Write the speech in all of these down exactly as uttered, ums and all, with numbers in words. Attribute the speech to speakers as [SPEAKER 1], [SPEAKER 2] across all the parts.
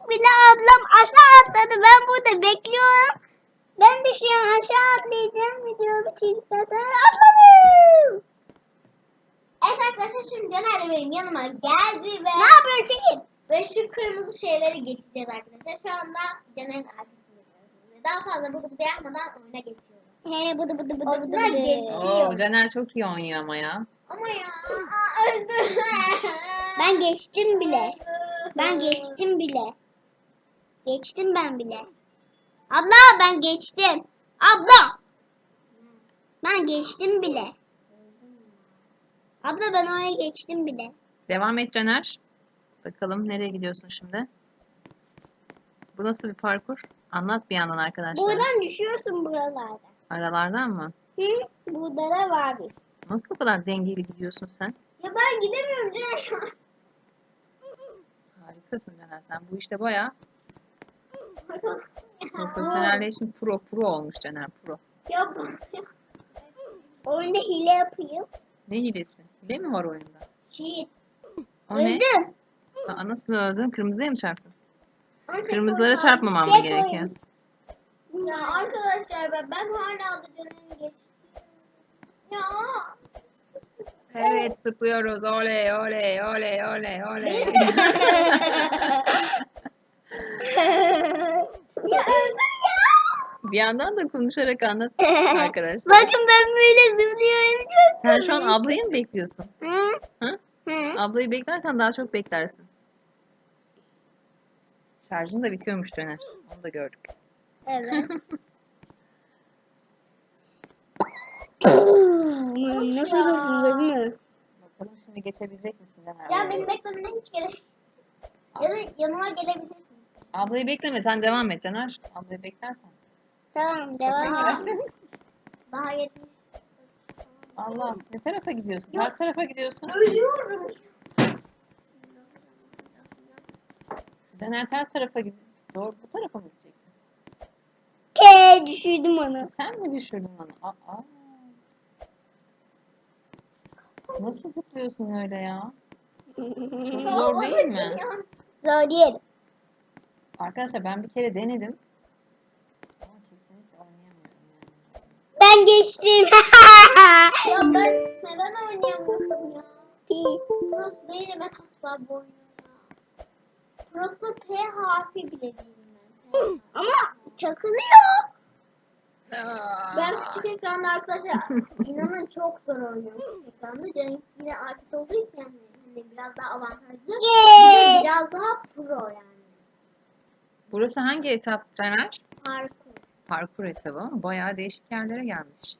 [SPEAKER 1] bile ablam aşağı atladı. Ben burada bekliyorum. Ben de şu an aşağı atlayacağım. Video bitirdikten sonra atladım.
[SPEAKER 2] Evet arkadaşlar şimdi Caner benim yanıma geldi ve
[SPEAKER 1] Ne yapıyorsun çekil?
[SPEAKER 2] ve şu kırmızı şeyleri geçeceğiz arkadaşlar. Şu anda Caner'in arkasını yapıyoruz. Ve daha fazla bıdı bıdı yapmadan oyuna geçiyorum.
[SPEAKER 1] He bıdı bıdı bıdı
[SPEAKER 2] Orijinal
[SPEAKER 1] bıdı bıdı.
[SPEAKER 2] geçiyor.
[SPEAKER 3] Oo, Caner çok iyi oynuyor ama ya.
[SPEAKER 2] Ama ya aa, öldüm.
[SPEAKER 1] Ben geçtim bile. Ben geçtim bile. Geçtim ben bile. Abla ben geçtim. Abla. Ben geçtim bile. Abla ben oraya geçtim bile.
[SPEAKER 3] Devam et Caner. Bakalım nereye gidiyorsun şimdi? Bu nasıl bir parkur? Anlat bir yandan arkadaşlar.
[SPEAKER 1] Buradan düşüyorsun buralarda.
[SPEAKER 3] Aralardan mı?
[SPEAKER 1] Hı? Burada da var bir.
[SPEAKER 3] Nasıl bu kadar dengeli gidiyorsun sen?
[SPEAKER 2] Ya ben gidemiyorum Caner.
[SPEAKER 3] Harikasın Caner, sen bu işte bayağı profesyonelleşmiş, pro pro olmuş Caner, pro.
[SPEAKER 2] Ya
[SPEAKER 1] Oyunda hile yapayım.
[SPEAKER 3] Ne hilesi? Hile mi var oyunda?
[SPEAKER 2] Cheat.
[SPEAKER 3] O ne?
[SPEAKER 1] Öldüm.
[SPEAKER 3] Aa, nasıl öldün? Kırmızıya mı çarptın?
[SPEAKER 2] Ama
[SPEAKER 3] Kırmızılara
[SPEAKER 2] tekrar-
[SPEAKER 3] çarpmamam mı
[SPEAKER 1] Şey
[SPEAKER 3] gerekiyor?
[SPEAKER 2] Ya arkadaşlar ben, ben hala da Caner'i geçtim. Ya.
[SPEAKER 3] Evet, zıplıyoruz. Oley oley oley oley oley.
[SPEAKER 1] Ya öldüm ya.
[SPEAKER 3] Bir yandan da konuşarak anlat arkadaşlar.
[SPEAKER 1] Bakın ben böyle zıplıyorum çok.
[SPEAKER 3] Sen şu an ablayı mı bekliyorsun?
[SPEAKER 1] Hı?
[SPEAKER 3] Hı?
[SPEAKER 1] Hı?
[SPEAKER 3] Ablayı beklersen daha çok beklersin. Şarjın da bitiyormuş Caner. Onu da gördük.
[SPEAKER 1] Evet. Nasıl gözün değil mi?
[SPEAKER 3] Bakalım şimdi geçebilecek misin Caner?
[SPEAKER 2] Ya beni beklemene hiç gerek. Ya da yanıma gelebilirsin.
[SPEAKER 3] Ablayı bekleme, sen devam et Caner. Ablayı beklersen.
[SPEAKER 1] Tamam devam et.
[SPEAKER 3] Beklersin.
[SPEAKER 2] Daha yetmiş.
[SPEAKER 3] Allah, ne tarafa gidiyorsun? Ters tarafa gidiyorsun.
[SPEAKER 2] Ölüyorum.
[SPEAKER 3] Caner ters tarafa gidiyor. Doğru, bu tarafa mı gidecektin?
[SPEAKER 1] Ke düşürdüm onu.
[SPEAKER 3] Sen mi düşürdün onu? Aa. Nasıl zıplıyorsun öyle ya? Çok zor değil mi?
[SPEAKER 1] Zor değil.
[SPEAKER 3] Arkadaşlar ben bir kere denedim. Ama kesinlikle oynayamıyorum yani.
[SPEAKER 1] Ben geçtim.
[SPEAKER 2] Ya ben neden oynayamıyorum ya?
[SPEAKER 1] Pis.
[SPEAKER 2] Burası değil ben asla bu oyunu ya. Burası P harfi bile değilim ben.
[SPEAKER 1] Ama takılıyor.
[SPEAKER 2] Ben küçük ekranda arkadaşlar inanın çok zor oynuyorum küçük ekranda. Canım yine artık olduğu için yani hani biraz daha avantajlı.
[SPEAKER 1] Yay.
[SPEAKER 2] Bir de biraz daha pro yani.
[SPEAKER 3] Burası hangi etap Caner?
[SPEAKER 2] Parkur.
[SPEAKER 3] Parkur etabı ama bayağı değişik yerlere gelmiş.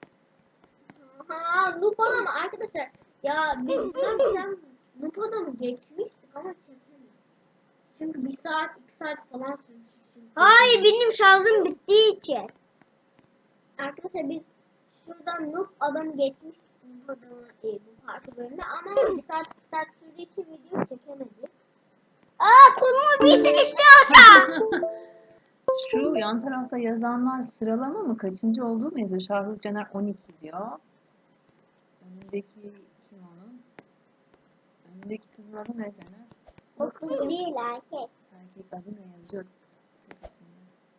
[SPEAKER 2] Ha, Noob adamı arkadaşlar. Ya biz ben sen Noob adamı geçmiştik ama çekemedik. Çünkü bir saat iki saat falan sürmüş. çünkü.
[SPEAKER 1] Hayır benim şarjım bittiği için.
[SPEAKER 2] Arkadaşlar biz şuradan Noob adamı geçmiştik. Noob adamı e, bu parkur bölümünde ama bir saat iki saat sürdüğü için video çekemedik.
[SPEAKER 1] Aa kolumu bir sıkıştı orada.
[SPEAKER 3] Şu yan tarafta yazanlar sıralama mı? Kaçıncı olduğu mu yazıyor? Şahrukh Caner on iki diyor. Önündeki kim onun? Önündeki kızın adı ne Caner?
[SPEAKER 1] O kız değil erkek.
[SPEAKER 3] Erkek adı ne yazıyor? tepesinde?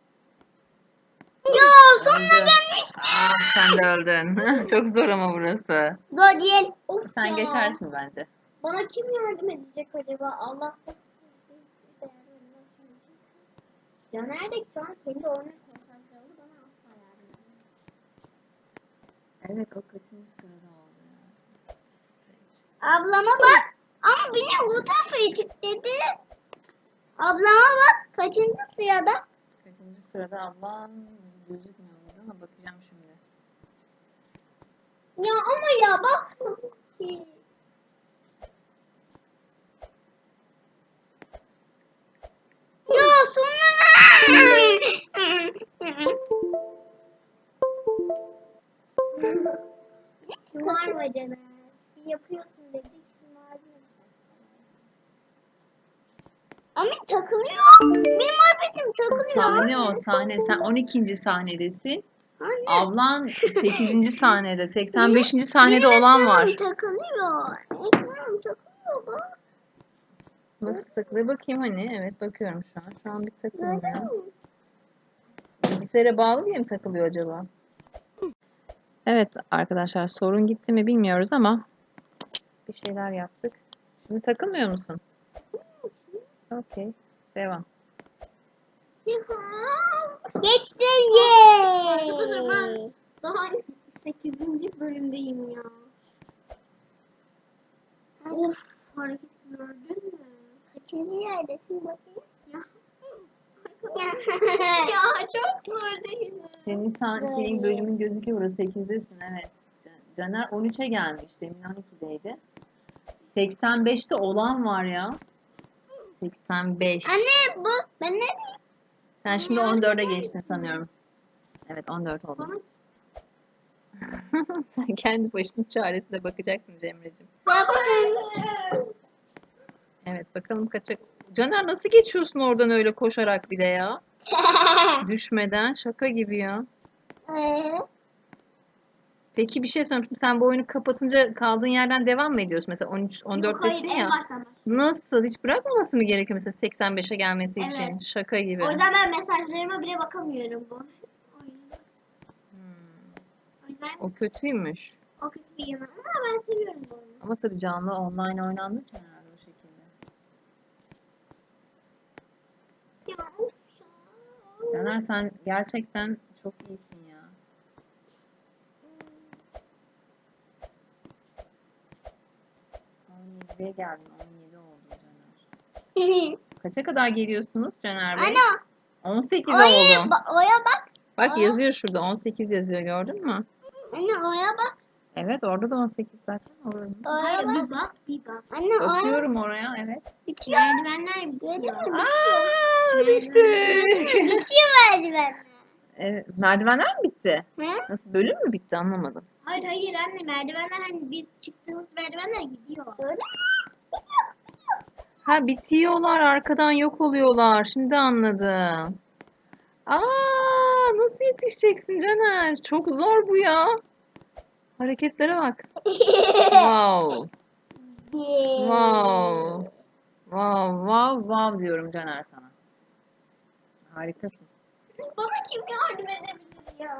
[SPEAKER 1] Ya sonuna
[SPEAKER 3] Öldü.
[SPEAKER 1] gelmiştim.
[SPEAKER 3] Aa, sen de öldün. Çok zor ama burası.
[SPEAKER 1] Zor değil.
[SPEAKER 2] Of
[SPEAKER 3] Sen
[SPEAKER 2] ya.
[SPEAKER 3] geçersin bence.
[SPEAKER 2] Bana kim yardım edecek acaba? Allah Caner de şu an kendi oyuna konsantre oldu. Bana asla yardım edemez.
[SPEAKER 3] Evet, o kaçıncı sırada oldu ya?
[SPEAKER 1] Ablama bak. Ama beni bu tarafa itikledi. Ablama bak. Kaçıncı sırada?
[SPEAKER 3] Kaçıncı sırada ablan gözükmüyor burada ama bakacağım şimdi.
[SPEAKER 2] Ya ama ya basmadım ki.
[SPEAKER 1] Ya sonuna.
[SPEAKER 2] Şımarma Caner. Bir yapıyorsun dedik şımardın.
[SPEAKER 1] Ama takılıyor. Benim muhabbetim takılıyor.
[SPEAKER 3] Sahne o sahne. Sen on ikinci sahnedesin.
[SPEAKER 1] Anne.
[SPEAKER 3] Ablan sekizinci sahnede. seksen beşinci sahnede
[SPEAKER 1] Benim
[SPEAKER 3] olan var.
[SPEAKER 1] ekranım takılıyor. Ekranım takılıyor bak.
[SPEAKER 3] Nasıl takılıyor? Bakayım hani. Evet bakıyorum şu an. Şu an bir takılmıyor. Bilgisayara bağlı diye mi takılıyor acaba? Evet arkadaşlar sorun gitti mi bilmiyoruz ama bir şeyler yaptık. Şimdi takılmıyor musun? Okey. Devam.
[SPEAKER 1] Geçtim
[SPEAKER 2] Arkadaşlar
[SPEAKER 1] ye.
[SPEAKER 2] ben daha sekizinci bölümdeyim ya. Of, hareket gördün mü?
[SPEAKER 1] Kaçıncı yerdesin bakayım?
[SPEAKER 2] Ya. Ya çok zor değil mi?
[SPEAKER 3] Senin sen şeyin bölümün gözüküyor. sekizdesin evet. Can- Caner on üçe gelmiş. Demin on ikideydi. seksen beşte olan var ya. seksen beş.
[SPEAKER 1] Anne bu ben ne?
[SPEAKER 3] Sen şimdi on dörde geçtin sanıyorum. Evet on dört oldun.
[SPEAKER 2] Bana
[SPEAKER 3] Sen kendi başının çaresine bakacaksın Cemre'cim.
[SPEAKER 1] Yaptım.
[SPEAKER 3] Evet bakalım kaça... Caner nasıl geçiyorsun oradan öyle koşarak bir de ya? Düşmeden şaka gibi ya.
[SPEAKER 1] Ee,
[SPEAKER 3] Peki bir şey sorayım. Şimdi sen bu oyunu kapatınca kaldığın yerden devam mı ediyorsun? Mesela on üç, on
[SPEAKER 2] Yok, hayır,
[SPEAKER 3] dörttesin
[SPEAKER 2] en
[SPEAKER 3] ya.
[SPEAKER 2] baştan başlıyorum.
[SPEAKER 3] Nasıl? Hiç bırakmaması mı gerekiyor mesela seksen beşe gelmesi
[SPEAKER 2] Evet.
[SPEAKER 3] için? Şaka gibi.
[SPEAKER 2] O yüzden ben mesajlarıma bile bakamıyorum bu oyunda.
[SPEAKER 3] Hmm,
[SPEAKER 2] O yüzden
[SPEAKER 3] o kötüymüş.
[SPEAKER 2] o kötü bir yanı ama ben seviyorum bu oyunu.
[SPEAKER 3] Ama tabii canlı online oynandığı için herhalde o şekilde.
[SPEAKER 2] Ya of ya.
[SPEAKER 3] Caner sen gerçekten çok iyisin ya. on yediye geldin. on yedi oldun Caner. Kaça kadar geliyorsunuz Caner Bey?
[SPEAKER 1] Ana.
[SPEAKER 3] on sekiz
[SPEAKER 1] Oya,
[SPEAKER 3] oldun.
[SPEAKER 1] ba- oya bak.
[SPEAKER 3] Bak
[SPEAKER 1] Aa.
[SPEAKER 3] yazıyor şurada on sekiz yazıyor gördün mü?
[SPEAKER 1] Anne oya bak.
[SPEAKER 3] Evet orada da on sekiz zaten. Oranın.
[SPEAKER 2] Hayır
[SPEAKER 1] Oya bak.
[SPEAKER 2] bir bak bir bak.
[SPEAKER 1] Anne oya
[SPEAKER 3] Bakıyorum oraya evet.
[SPEAKER 1] bitiyor.
[SPEAKER 2] Merdivenler bitiyor.
[SPEAKER 3] Aa
[SPEAKER 2] Merdiven-
[SPEAKER 3] düştük.
[SPEAKER 1] Bitiyor merdivenler.
[SPEAKER 3] Evet, merdivenler mi bitti?
[SPEAKER 1] Hı?
[SPEAKER 3] Nasıl bölüm mü bitti anlamadım.
[SPEAKER 2] Hayır hayır anne merdivenler hani biz çıktığımız merdivenler gidiyor.
[SPEAKER 1] Öyle mi? Bitiyor.
[SPEAKER 3] Ha bitiyorlar arkadan yok oluyorlar. Şimdi anladım. Aa nasıl yetişeceksin Caner? Çok zor bu ya. Hareketlere bak. Wow. Wow. Wow, wow, wow diyorum Caner sana. Harikasın.
[SPEAKER 2] Bana kim yardım edebilir ya?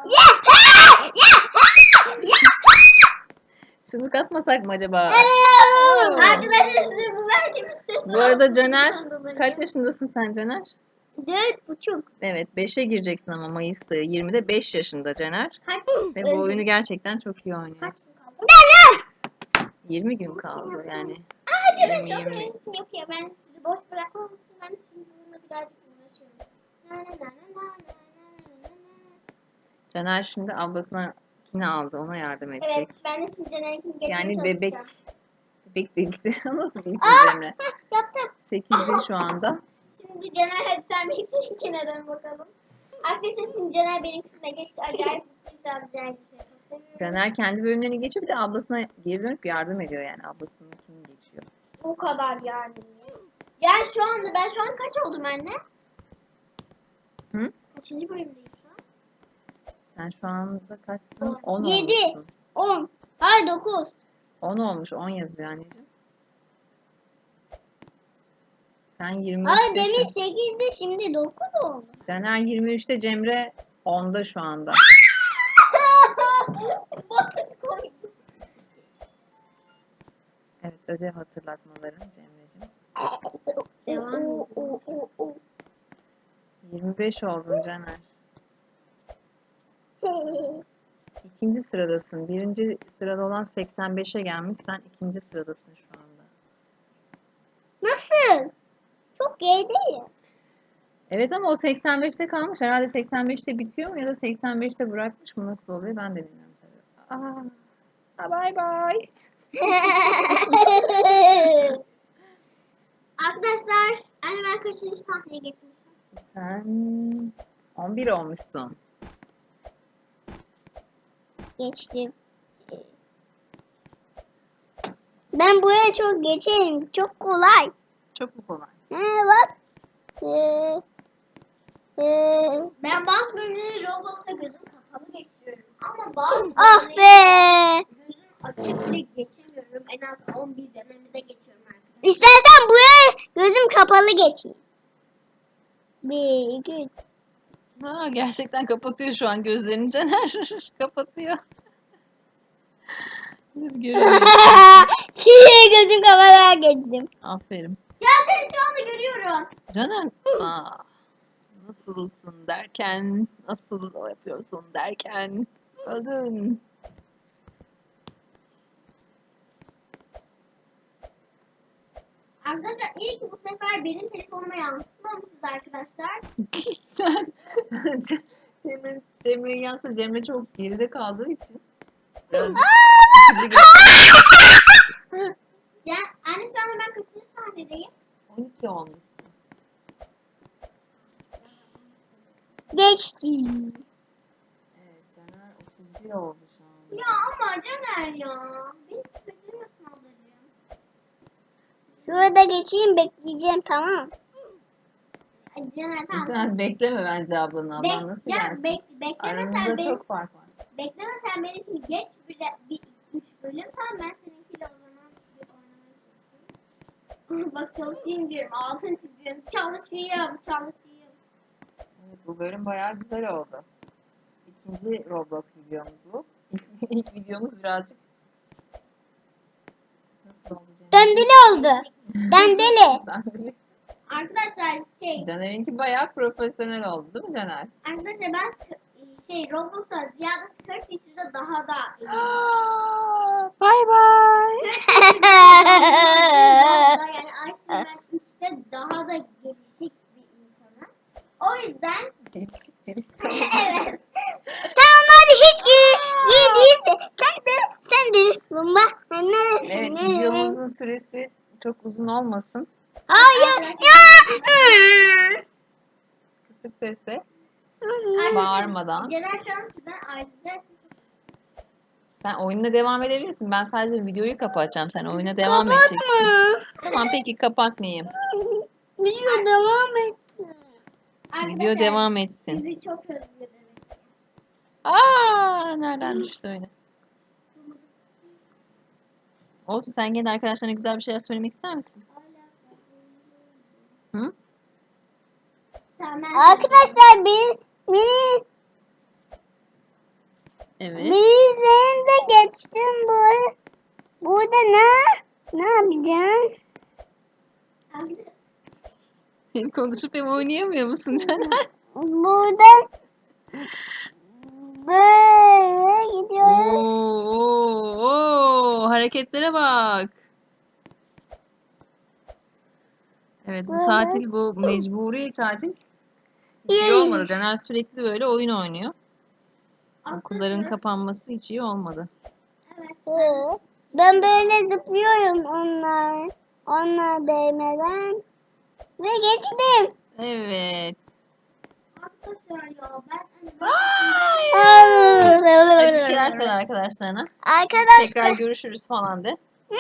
[SPEAKER 3] Çubuk atmasak mı acaba?
[SPEAKER 2] Arkadaşlar size bu verdiğimiz sesi
[SPEAKER 3] Bu arada Caner,
[SPEAKER 2] altından dolayı.
[SPEAKER 3] kaç yaşındasın sen Caner?
[SPEAKER 1] Dört buçuk.
[SPEAKER 3] Evet, beşe gireceksin ama Mayıs'ta. yirmide beş yaşında Caner.
[SPEAKER 2] Kaç,
[SPEAKER 3] Ve bu oyunu gerçekten çok iyi oynuyor.
[SPEAKER 2] kaç gün kaldı?
[SPEAKER 3] yirmi gün kaldı yani.
[SPEAKER 2] Aa canım
[SPEAKER 3] yirmi,
[SPEAKER 2] çok
[SPEAKER 3] yirmi.
[SPEAKER 2] önemlisin yok ya ben sizi boş bırakmam için ben şimdi bununla birazcık uğraşıyorum. Na na na na na na na na na.
[SPEAKER 3] Caner şimdi ablasına aldı. Ona yardım edecek.
[SPEAKER 2] Evet ben de şimdi Caner'inkini geçmeye
[SPEAKER 3] Yani bebek
[SPEAKER 2] çalışacağım.
[SPEAKER 3] bebek delisi. Nasıl bir isim Cemre?
[SPEAKER 1] Yaptım.
[SPEAKER 3] sekizde şu anda.
[SPEAKER 2] Şimdi Caner hadi sen benimkine dön bakalım. Arkadaşlar şimdi Caner benimkisine geçti. Acayip mutluyum şu an Caner'i çok seviyorum.
[SPEAKER 3] Caner kendi bölümlerini geçiyor. Bir de ablasına geri dönüp yardım ediyor yani. Ablasınınkini geçiyor.
[SPEAKER 2] O kadar yani. Yani şu anda ben şu an kaç oldum anne?
[SPEAKER 3] Hı?
[SPEAKER 2] Kaçıncı bölümdeyim şu an?
[SPEAKER 3] Sen şu anda kaçsın? on
[SPEAKER 1] Yedi.
[SPEAKER 3] olmuşsun.
[SPEAKER 1] On. Hayır dokuz.
[SPEAKER 3] on olmuş. on yazıyor anneciğim. Sen yirmi
[SPEAKER 1] Hayır demin
[SPEAKER 3] üçtesin.
[SPEAKER 1] sekizdi şimdi dokuz oldu.
[SPEAKER 3] Caner yirmi üçte, Cemre onda şu anda.
[SPEAKER 2] Basit koydum.
[SPEAKER 3] Evet, ödev hatırlatmaların Cemre'cim.
[SPEAKER 2] Devam
[SPEAKER 1] O, o, o, o.
[SPEAKER 3] yirmi beş oldun Caner. İkinci sıradasın. Birinci sırada olan seksen beşe gelmiş. Sen ikinci sıradasın şu anda.
[SPEAKER 1] Nasıl? Çok gerideyim.
[SPEAKER 3] Evet ama o seksen beşte kalmış. Herhalde seksen beşte bitiyor mu ya da seksen beşte bırakmış mı? Nasıl oluyor ben de bilmiyorum tabii. Aa, ha, bye bye.
[SPEAKER 2] Arkadaşlar anne ben kaçıncı sahneye geçmişim?
[SPEAKER 3] Sen on bir olmuşsun.
[SPEAKER 1] Geçtim. Ben buraya çok geçeyim. Çok kolay.
[SPEAKER 3] Çok mu kolay?
[SPEAKER 1] He bak. Ee, ee,
[SPEAKER 2] Ben bazı bölümleri Roblox'ta gözüm kapalı geçiyorum. Ama bazı
[SPEAKER 1] ah
[SPEAKER 2] bölümleri
[SPEAKER 1] be.
[SPEAKER 2] gözüm açık bile geçemiyorum. En az on bir denemede geçiyorum arkadaşlar.
[SPEAKER 1] İstersen buraya gözün kapalı geçeyim. Bir, iki, üç.
[SPEAKER 3] Ha, gerçekten kapatıyor şu an gözlerini Caner. Kapatıyor. Göremiyorsun.
[SPEAKER 1] Çiğ gözüm kameraya geçtim.
[SPEAKER 3] Aferin.
[SPEAKER 2] Ya seni şu anda görüyorum.
[SPEAKER 3] Caner, aa, nasılsın derken, nasıl o yapıyorsun derken öldün.
[SPEAKER 2] Arkadaşlar iyi ki bu sefer benim telefonuma yansıtmamışız arkadaşlar.
[SPEAKER 3] Sen Ce- Cemre, Cemre'nin yansa Cemre çok geride kaldığı için birazcık sıkıcı geçti.
[SPEAKER 2] Ya anne şu anda ben kaçıncı sahnedeyim?
[SPEAKER 3] on iki olmuşsun.
[SPEAKER 1] Geçtim.
[SPEAKER 3] Evet, Caner otuz bir oldu şu an.
[SPEAKER 2] Ya ama Caner ya. Beni beklemiyorsun ablacığım.
[SPEAKER 1] Şurada geçeyim bekleyeceğim tamam.
[SPEAKER 2] Ay Caner tamam.
[SPEAKER 3] Sen bekleme bence ablanı.
[SPEAKER 2] Bek,
[SPEAKER 3] Ablan nasıl
[SPEAKER 2] ya
[SPEAKER 3] gelsin?
[SPEAKER 2] bek, bekleme sen
[SPEAKER 3] Aranızda
[SPEAKER 2] benim.
[SPEAKER 3] çok fark var.
[SPEAKER 2] Bekleme sen benimkini geç bir, bir üç bölüm. Tamam ben seninkiyle o zaman bir oynamaya çalışayım. Bak çalışayım diyorum. Altın çiziyorum. Çalışayım. Çalışayım.
[SPEAKER 3] Evet, bu bölüm bayağı güzel oldu. İkinci Roblox videomuz bu. İlk, ilk videomuz birazcık nasıl oldu Caner?
[SPEAKER 1] Dandeli oldu. Dandeli.
[SPEAKER 3] Dandeli.
[SPEAKER 2] Arkadaşlar şey.
[SPEAKER 3] Caner'inki bayağı profesyonel oldu değil mi Caner?
[SPEAKER 2] Arkadaşlar ben sk- şey Roblox'tan ziyade Skirt Teacher'da daha da
[SPEAKER 3] Bye bye.
[SPEAKER 2] daha yani aslında ben üçte daha da gelişik bir insanım. O yüzden
[SPEAKER 3] Gelişik gelişik.
[SPEAKER 2] evet.
[SPEAKER 1] Sen onları hiç giy, giy değilsin. Sen de sen de bomba.
[SPEAKER 3] Evet, videomuzun süresi çok uzun olmasın.
[SPEAKER 1] Hayır. Ya.
[SPEAKER 3] Kısık sesle,
[SPEAKER 2] Arkadaşlar,
[SPEAKER 3] bağırmadan.
[SPEAKER 2] Caner şu an sizden ayrıca
[SPEAKER 3] Sen oyununa devam edebilirsin. Ben sadece videoyu kapatacağım. Sen oyuna devam edeceksin.
[SPEAKER 1] Kapatma.
[SPEAKER 3] Tamam peki kapatmayayım.
[SPEAKER 1] Video devam et.
[SPEAKER 3] Video devam etsin.
[SPEAKER 2] Sizi çok özledim.
[SPEAKER 3] Aa, nereden düştü öyle? Olsun sen gene arkadaşlarına güzel bir şeyler söylemek ister misin? Hı?
[SPEAKER 2] Tamam.
[SPEAKER 1] Arkadaşlar bir mini
[SPEAKER 3] Evet.
[SPEAKER 1] bizden de geçtim bu. Burada ne? Ne yapacağım?
[SPEAKER 3] Hem konuşup hem oynayamıyor musun Caner?
[SPEAKER 1] Buradan böyle gidiyoruz.
[SPEAKER 3] Oo, oo, oo, hareketlere bak. Evet bu
[SPEAKER 1] Böyle.
[SPEAKER 3] tatil bu mecburi tatil. Hiç iyi olmadı. Caner sürekli böyle oyun oynuyor. Okulların kapanması hiç iyi olmadı.
[SPEAKER 2] Evet.
[SPEAKER 1] Ben böyle zıplıyorum onlar. Onlar değmeden. Ve geçtim.
[SPEAKER 3] Evet.
[SPEAKER 2] Arkadaşlar ya ben
[SPEAKER 3] Hadi bir şeyler söyle arkadaşlarına.
[SPEAKER 1] Arkadaşlar.
[SPEAKER 3] Tekrar görüşürüz falan de.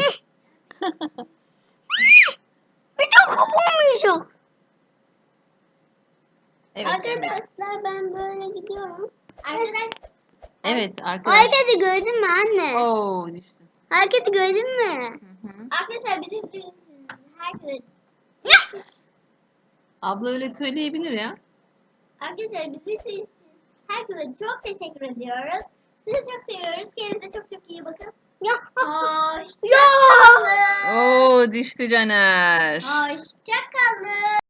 [SPEAKER 1] Video kapanmayacak.
[SPEAKER 3] Evet Cemre'ciğim.
[SPEAKER 1] Arkadaşlar ben böyle gidiyorum.
[SPEAKER 2] Arkadaş
[SPEAKER 3] Evet arkadaşlar.
[SPEAKER 1] Hareketi gördün mü anne?
[SPEAKER 3] Oo düştün.
[SPEAKER 1] Hareketi gördün mü?
[SPEAKER 3] Hı hı.
[SPEAKER 2] arkadaşlar bizim için herkese
[SPEAKER 3] Abla öyle söyleyebilir ya.
[SPEAKER 2] arkadaşlar bizim için herkese çok teşekkür ediyoruz. Sizi çok seviyoruz. Kendinize çok çok iyi bakın.
[SPEAKER 1] Ya.
[SPEAKER 2] Hoşça
[SPEAKER 1] Ya.
[SPEAKER 2] kalın.
[SPEAKER 3] Oo düştü Caner.
[SPEAKER 2] Hoşça kalın.